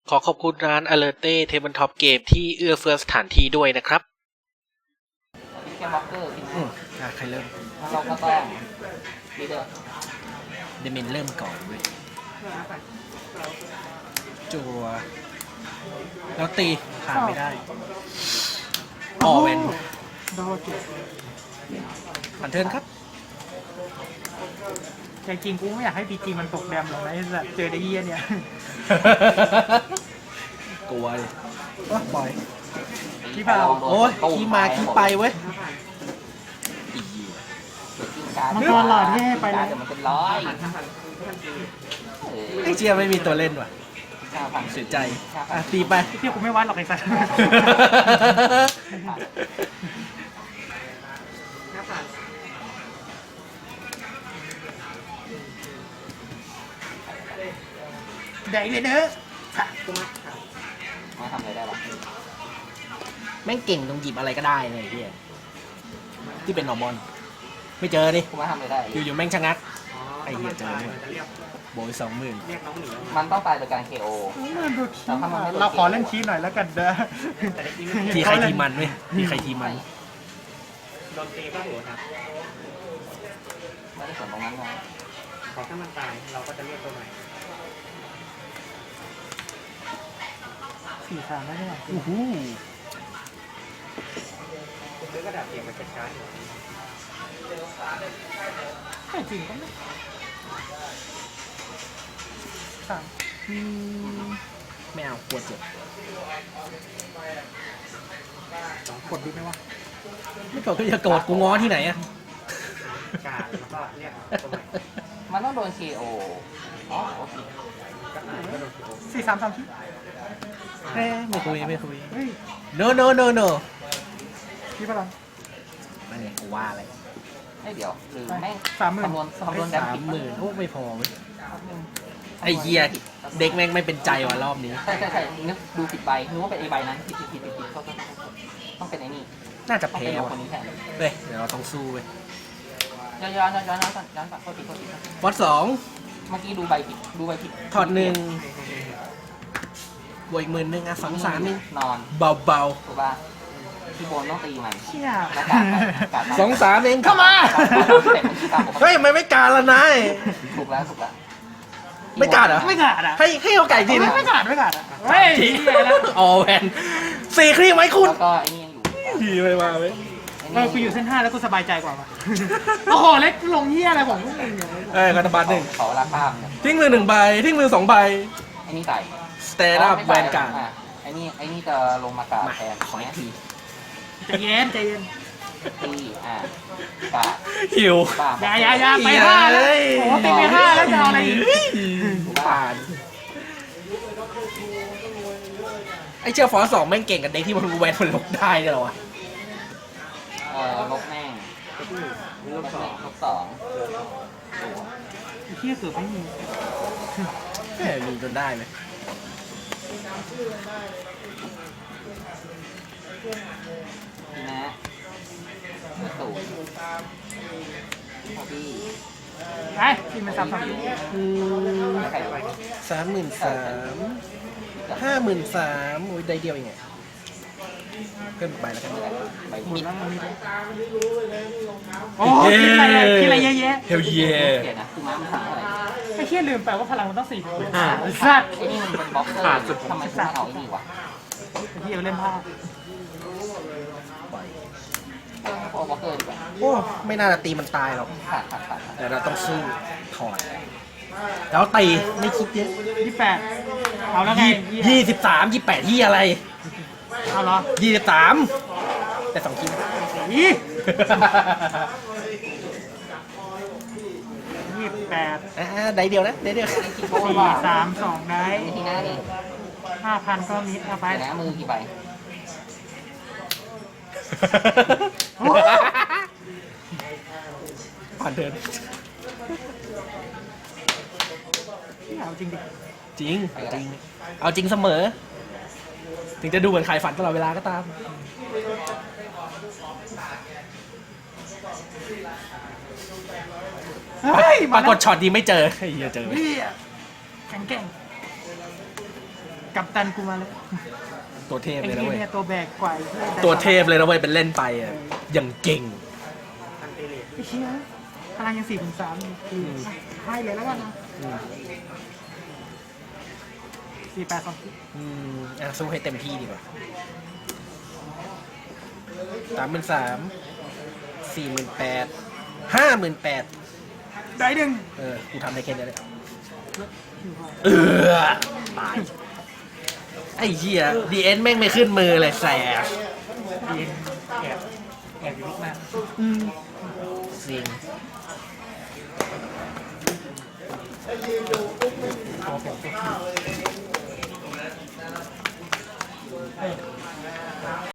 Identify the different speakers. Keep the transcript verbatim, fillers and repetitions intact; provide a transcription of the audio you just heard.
Speaker 1: ขอขอบคุณร้าน Alerte Tabletop Game ที่เอื้อเฟื้อสถานที่ด้วยนะครับ
Speaker 2: แค่บล็อกเกอร์พี่
Speaker 1: อืมอ่ะใครเริ่ม
Speaker 2: แล้วเราก็ต้องลีเดอร์
Speaker 1: เดเมนเริ่มก่อนเว้ยจัวแล้วตีผ่านไม่ได้ออเวน
Speaker 3: โดนเจ็บ
Speaker 1: ผ่านเทิร์นครับ
Speaker 3: ใจจริงกูไม่อยากให้พีจีมันตกแดมหรอกนะไอ้สัสเจอไอ้เหี้ยเนี่ย
Speaker 1: กลัวเลยว่าปล่อย
Speaker 3: พี่เปล่า
Speaker 1: โอ้ยขี้มาขี้ไปเว้ยอี
Speaker 3: มันตัวหลอดที่ให้ไป
Speaker 2: แล้
Speaker 3: แล้ว ว
Speaker 2: มันเป็นร้อย
Speaker 1: ไอเจียไม่มีตัวเล่นว่ะ
Speaker 2: ห้าพัน
Speaker 1: เสียใจอ่ะตีไป
Speaker 3: เที่ยวกูไม่วัดหรอกไอ้สัสแดงเลยเนอะกูมา
Speaker 2: มาทำอะไรได้บ้าง
Speaker 1: แม่งเก่งตรงหยิบอะไรก็ได้เลยพี่ที่เป็นนอร์มอนไม่เจอดิ
Speaker 2: กูมาทำอะไรได้
Speaker 1: อยู่ๆแม่งชะงักไอเหี้ยเจอด้วยโบยสองหมื่น
Speaker 2: มันต้องตายโดยการ เค โอ
Speaker 3: เราขอเล่นชี้หน่อยแล้วกันเด้อ
Speaker 1: ทีใครทีมันเว้ยทีใครทีมัน
Speaker 4: โดนตีบ้างหัวครับ
Speaker 2: ไม่ได้สนตรงนั้นนะ
Speaker 4: ขอถ้ามันตายเราก็จะเรียกตัวใหม่
Speaker 3: สี่สามได้ไหม
Speaker 1: อู้หู
Speaker 4: คุณซื้อกระดาษเปียกมาจัดการอยู่
Speaker 3: ไม่จริงก็ไม่สาม
Speaker 1: อืมไม่เอากลัวเจ็บ
Speaker 3: กดดีไหมวะ
Speaker 1: ไม่โกรธก็อย่าโกรธกูง้อที่ไหนอะ
Speaker 4: การแล้วก็เรียกตัวใหม่
Speaker 2: มันต้องโดน เค โอ อ๋อโอเค
Speaker 4: ก็อ่านก็โดนโกง
Speaker 3: สี่สามสามชี้
Speaker 1: เอ้ยไม่คุยไม่คุย
Speaker 3: เฮ้ย
Speaker 1: no no no no
Speaker 3: พี่เปล่า
Speaker 1: นั่นไงกูว่าอะไร
Speaker 2: ไม่เดี๋ยวหรือแม่ง
Speaker 3: สามหมื่น
Speaker 2: คำนวณคำนวณแดม
Speaker 1: สาม
Speaker 2: ผิด
Speaker 1: หมื่นโอ้ไม่พอเว้ยไอเฮียเด็กแม่งไม่เป็นใจว่ะรอบนี้
Speaker 2: ใช่ใช่ใช่นึกดูผิดใบนึกว่าเป็นไอใบนั้นผิดผิดผิดผิดผิดต้องต้องเป็นไอ้นี่
Speaker 1: น่าจะ
Speaker 2: ต้อง
Speaker 1: แพ้
Speaker 2: เป็น
Speaker 1: ว่ะ
Speaker 2: คนนี้แทน
Speaker 1: เฮ้ยเดี๋ยวเราต้องสู้เว้ย
Speaker 2: ย้อนย้อนย้อนย้อนย้อนก่อนย้อนก่อนโทษทีโทษที
Speaker 1: ฟอสสอง
Speaker 2: เมื่อกี้ดูใบผิดดูใบผิด
Speaker 1: ถอดหนึ่งบวกอีกหมื่นหนึ่งอ่ะสองสามนึง
Speaker 2: นอน
Speaker 1: เบาเบา
Speaker 2: ถูกป่ะพี่โบนต้องตีมัน
Speaker 3: เชี่ย
Speaker 2: แล้วการการ
Speaker 1: ๆสองสามเองเข้ามา เฮ้ยมันไม่การละนาย
Speaker 2: ถูกแล้วถูกแล้ว
Speaker 1: ไม่การเหรอ
Speaker 3: ไม่ขาดอ่ะ
Speaker 1: ให้ให้โอกาสอีกทีนึง
Speaker 3: ไม่ขาดไม่ขาดอ่ะเฮ้ย
Speaker 1: ที
Speaker 3: เหี้ยแล้ว
Speaker 1: ออแวนสี่ครีมไหมคุณ
Speaker 2: แล้วก็ไอ้นี่ยังอยู่
Speaker 1: ทีไม่มาไหม
Speaker 3: เออกูอยู่เส้นห้าแล้วกูสบายใจกว่าว่ะโอ้โหเล็กลงเหี้ยอะไรของพวกมึงเนี่ย
Speaker 1: เอ้ยกระบาดหนึ่ง
Speaker 2: ขอเวลาข้ามเนี่ย
Speaker 1: ทิ้งมือหนึ่งใบทิ้งมือสองใบ
Speaker 2: ไอ้นี่ใส่
Speaker 1: สเตนอัพแวนการ์ด
Speaker 2: ไอ้นี่ไอ้นี่จะลงมากา
Speaker 1: มา
Speaker 2: แทน
Speaker 1: ขออีกที
Speaker 3: ใจเย็นใจเย็น
Speaker 2: ตีอ่ะกา
Speaker 1: หิว
Speaker 2: ป้า
Speaker 3: อย่าอย่าอย่าไปห้าแล้วโอ้โหตีไปห้าแล้วจะเอาอะไรอีก
Speaker 1: ผ่านไอ้เจ้าฟอสสองแม่งเก่งกับเด็กที่มันแวนมันลกได้เนี่ยเหรอวะ
Speaker 2: เออลบแม่ง
Speaker 4: ลูกสอง
Speaker 2: ลบสอง
Speaker 3: ไอ้เหี้ยเกือบไม่มี
Speaker 1: แหมมีจนได้เลย
Speaker 2: ทีนะสูตรพอดี
Speaker 3: ไปกินมันซ้ำซ้ำ
Speaker 2: ใครไป
Speaker 1: สามหมื่นสามห้าหมื่นสามโอ้ยได้เดียวเองไงเพิ่มไปแล้วกัน
Speaker 2: ใบ
Speaker 3: หมด
Speaker 2: ผิด
Speaker 3: แล้วมันมีโอ้กินอะไรอะกินอะไรเยอะแยะ
Speaker 1: เฮลเย่
Speaker 2: เปลี่ยนนะคือม้ามันสั่งอะไร
Speaker 3: ไอ้เหี้ยลืมไปว่าพลังมันต้องสี่พันสัตว์
Speaker 2: ไอ้นี่มันเป็นบล็อกเกอร์ทำไมถึงไม่เอาไอ้นี่วะ
Speaker 3: ไอ้เหี้ยเล่นผ้า
Speaker 2: เอาบล็อกเกอร์ดีกว่า
Speaker 1: โอ้ไม่น่าจะตีมันตายหรอก
Speaker 2: ขาดขาดขาด
Speaker 1: แต่เราต้องสู้ถอดแล้วตีไม่คิดเยอะ
Speaker 3: ยี่แปดเอาแล้วไง
Speaker 1: ยี่ยี่สิบสามยี่แปดที่อะไร
Speaker 3: เอาเหรอ
Speaker 1: ยี่สิบสามแต่สองคิด
Speaker 3: ยี่ยี่แปด
Speaker 1: อ่าได้เดียวนะได้เดียว
Speaker 3: สี่สามสองได้
Speaker 2: นี่ทีหน้านี่
Speaker 3: ห้าพันก็มิดเอาไป
Speaker 2: เดี๋ยวนะมือกี่ใบ
Speaker 1: ผ่านเดิน
Speaker 3: เอาจริงดิ
Speaker 1: จริงจริง เอาจริงเสมอ ถึงจะดูเหมือนขายฝันตลอดเวลาก็ตาม
Speaker 3: เฮ้ย
Speaker 1: ปรากฏช็อตดีไม่เจอไอ้เหี้ยเจอไหม
Speaker 3: เหี้ยแข็งแกร่งกับตันกูมาเลย
Speaker 1: ตัวเทพ
Speaker 3: ไอ้
Speaker 1: เลยนะ
Speaker 3: ที่
Speaker 1: เว้ย
Speaker 3: เนี่ยตัวแบกกว่าไอ้หี้ย
Speaker 1: ตัวเทพเลยนะเว้ยเป็นเล่นไปอ่ะอย่างเก่ง
Speaker 4: อันเตเลส
Speaker 3: ไอ้เชี่ยพลังยังสี่ถึงสามคือให้เลยแล้วกันนะ
Speaker 1: อืม
Speaker 3: สี่แปดสอง
Speaker 1: อืมอ่ะสู้ให้เต็มที่ดีกว่าสามหมื่นสามสี่หมื่นแปดห้าหมื่นแปด
Speaker 3: ได้หนึ่ง
Speaker 1: เออกูทำได้แค่นี้เลยเออตายไอ้เหี้ยดีเอ็นแม่งไม่ขึ้นมือเลยแสบ
Speaker 3: ดีแอบแอบอยู่นิดมาก
Speaker 1: สิง
Speaker 3: ขอผม